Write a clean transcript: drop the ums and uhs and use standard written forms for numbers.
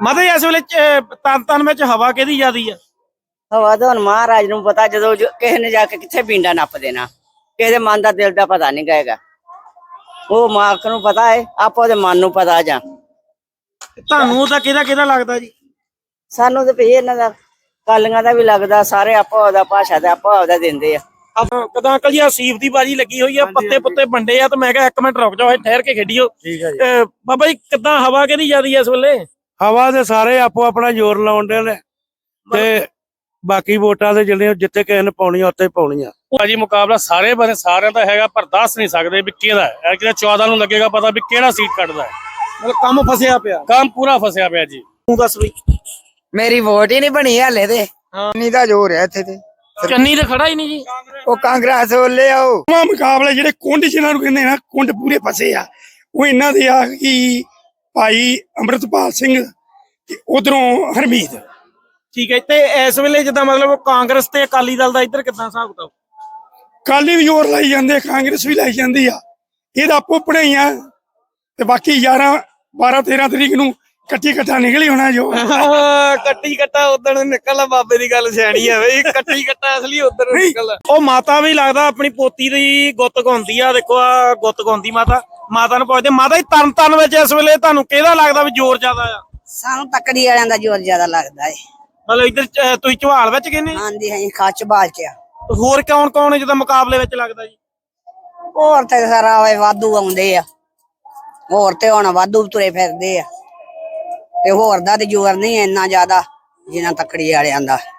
ਮਾਤਾ ਜੀ ਇਸ ਵੇਲੇ ਤਨ ਵਿੱਚ ਹਵਾ ਕਿਹਦੀ ਜ਼ਿਆਦੀ ਆ? ਹਵਾ ਤਾਂ ਹੁਣ ਮਹਾਰਾਜ ਨੂੰ ਪਤਾ, ਜਦੋਂ ਕਿਸੇ ਨੇ ਜਾ ਕੇ ਕਿੱਥੇ ਪਿੰਡਾ ਨੱਪ ਦੇਣਾ, ਕਿਸੇ ਦੇ ਮਨ ਦਾ ਦਿਲ ਦਾ ਪਤਾ ਨਹੀਂ ਗਏਗਾ, ਉਹ ਮਾਲਕ ਨੂੰ ਪਤਾ ਹੈ, ਆਪੋ ਉਹਦੇ ਮਨ ਨੂੰ ਪਤਾ। ਜਾਂ ਤੁਹਾਨੂੰ ਤਾਂ ਕਿਹਦਾ ਲੱਗਦਾ ਜੀ? ਸਾਨੂੰ ਤਾਂ ਭਈ ਇਹਨਾਂ ਦਾ ਕਾਲੀਆਂ ਦਾ ਵੀ ਲੱਗਦਾ, ਸਾਰੇ ਆਪੋ ਉਹਦਾ ਭਾਸ਼ਾ ਦਾ ਆਪੋ ਉਹਦਾ ਦਿੰਦੇ ਆ। ਕਦਾਂ ਅੰਕਲ ਜੀ ਸੀਫ ਦੀ ਬਾਜੀ ਲੱਗੀ ਹੋਈ ਆ, ਪੱਤੇ ਪੁੱਤੇ ਵੰਡੇ ਆ, ਤੇ ਮੈਂ ਕਿਹਾ 1 ਮਿੰਟ ਰੁਕ ਜਾਓ, ਠਹਿਰ ਕੇ ਖੇਡੀਓ। ਠੀਕ ਹੈ ਜੀ। ਬਾਬਾ ਜੀ ਕਿੱਦਾਂ ਹਵਾ ਕਿਹਦੀ ਜ਼ਿਆਦੀ ਆ ਇਸ ਵੇਲੇ? ਹਵਾ ਦੇ ਸਾਰੇ ਆਪੋ ਆਪਣਾ ਜ਼ੋਰ ਲਾਉਣ ਦੇ ਨੇ, ਤੇ ਬਾਕੀ ਵੋਟਾਂ ਦੇ ਜਿਹੜੇ ਜਿੱਥੇ ਕਿਸੇ ਨੇ ਪਾਉਣੀਆਂ ਉੱਥੇ ਪਾਉਣੀਆਂ। ਭਾਜੀ ਮੁਕਾਬਲਾ ਸਾਰੇ ਬਣੇ ਸਾਰਿਆਂ ਦਾ ਹੈਗਾ, ਪਰ ਦੱਸ ਨਹੀਂ ਸਕਦੇ ਵੀ ਕਿਹਦਾ ਹੈ। ਕਿਹਦਾ 14 ਨੂੰ ਲੱਗੇਗਾ ਪਤਾ ਵੀ ਕਿਹੜਾ ਸੀਟ ਕੱਢਦਾ ਹੈ। ਮਤਲਬ ਕੰਮ ਫਸਿਆ ਪਿਆ, ਕੰਮ ਪੂਰਾ ਫਸਿਆ ਪਿਆ ਜੀ। ਤੂੰ ਦੱਸ ਬਈ। ਮੇਰੀ ਵੋਟ ਹੀ ਨਹੀਂ ਬਣੀ ਹਲੇ ਤੇ, ਨਹੀਂ ਤਾਂ ਜ਼ੋਰ ਹੈ ਇੱਥੇ ਤੇ। ਚੰਨੀ ਤੇ ਖੜਾ ਹੀ ਨਹੀਂ ਜੀ। ਉਹ ਕਾਂਗਰਸ ਵੱਲੇ ਆਓ। ਮੁਕਾਬਲੇ ਜਿਹੜੇ ਕੁੰਡ ਜਿਹਨਾਂ ਨੂੰ ਕਹਿੰਦੇ ਨਾ, ਕੁੰਡ ਪੂਰੇ ਫਸੇ ਆ, ਉਹ ਇਹਨਾਂ ਦੇ ਆ ਕਿ ਭਾਈ ਅੰਮ੍ਰਿਤਪਾਲ ਸਿੰਘ ਤੇ ਉਧਰੋਂ ਹਰਮੀਤ। ਠੀਕ ਹੈ, ਤੇ ਇਸ ਵੇਲੇ ਜਿੱਦਾਂ ਮਤਲਬ ਕਾਂਗਰਸ ਤੇ ਅਕਾਲੀ ਦਲ ਦਾ ਇੱਧਰ ਕਿੱਦਾਂ ਹਿਸਾਬ ਕਿਤਾਬ? ਕਾਲੀ ਵੀ ਜ਼ੋਰ ਲਾਈ ਜਾਂਦੇ, ਕਾਂਗਰਸ ਵੀ ਲਾਈ ਜਾਂਦੀ ਆ, ਇਹਦਾ ਆਪੋ ਪੜਾਈਆਂ। ਤੇ ਬਾਕੀ 11 12 13 ਤਰੀਕ ਨੂੰ ਕੱਟੀ ਕੱਟਾ ਨਿਕਲੀ ਹੋਣਾ ਜੋ। ਕੱਟੀ ਕੱਟਾ ਉਦਣ ਨਿਕਲਣਾ, ਬਾਬੇ ਦੀ ਗੱਲ ਸਿਆਣੀ ਆ ਬਈ, ਕੱਟੀ ਕੱਟਾ ਅਸਲੀ ਉਧਰ ਨਿਕਲਣਾ। ਉਹ ਮਾਤਾ ਵੀ ਲੱਗਦਾ ਆਪਣੀ ਪੋਤੀ ਦੀ ਗੁੱਤ ਗਾਉਂਦੀ ਆ, ਦੇਖੋ ਆ ਗੁੱਤ ਗਾਉਂਦੀ ਮਾਤਾ ਨੂੰ ਪੁੱਛਦੇ ਮਾਤਾ ਜੀ ਤਰਨ ਵਿੱਚ ਇਸ ਵੇਲੇ ਤੁਹਾਨੂੰ ਕਿਹਦਾ ਲੱਗਦਾ ਵੀ ਜ਼ੋਰ ਜ਼ਿਆਦਾ ਆ? ਸਾਨੂੰ ਤਕੜੀ ਵਾਲਿਆਂ ਦਾ ਜ਼ੋਰ ਜ਼ਿਆਦਾ ਲੱਗਦਾ ਹੈ। ਮਤਲਬ ਇੱਧਰ ਤੁਸੀਂ ਝਵਾਲ ਵਿੱਚ ਕਹਿੰਦੇ? ਹਾਂਜੀ ਹਾਂਜੀ, ਖੱਚ ਬਾਲ ਕੇ। ਹੋਰ ਕੌਣ ਹੈ ਜਿਹਦਾ ਮੁਕਾਬਲੇ ਵਿੱਚ ਲੱਗਦਾ ਜੀ? ਹੋਰ ਤੇ ਸਾਰਾ ਵਾਧੂ ਆਉਂਦੇ ਆ, ਹੋਰ ਤੇ ਹੁਣ ਵਾਧੂ ਤੁਰੇ ਫਿਰਦੇ ਆ, ਤੇ ਹੋਰ ਦਾ ਤੇ ਜ਼ੋਰ ਨਹੀਂ ਇੰਨਾ ਜ਼ਿਆਦਾ ਜਿੰਨਾ ਤਕੜੀ ਵਾਲਿਆਂ ਦਾ।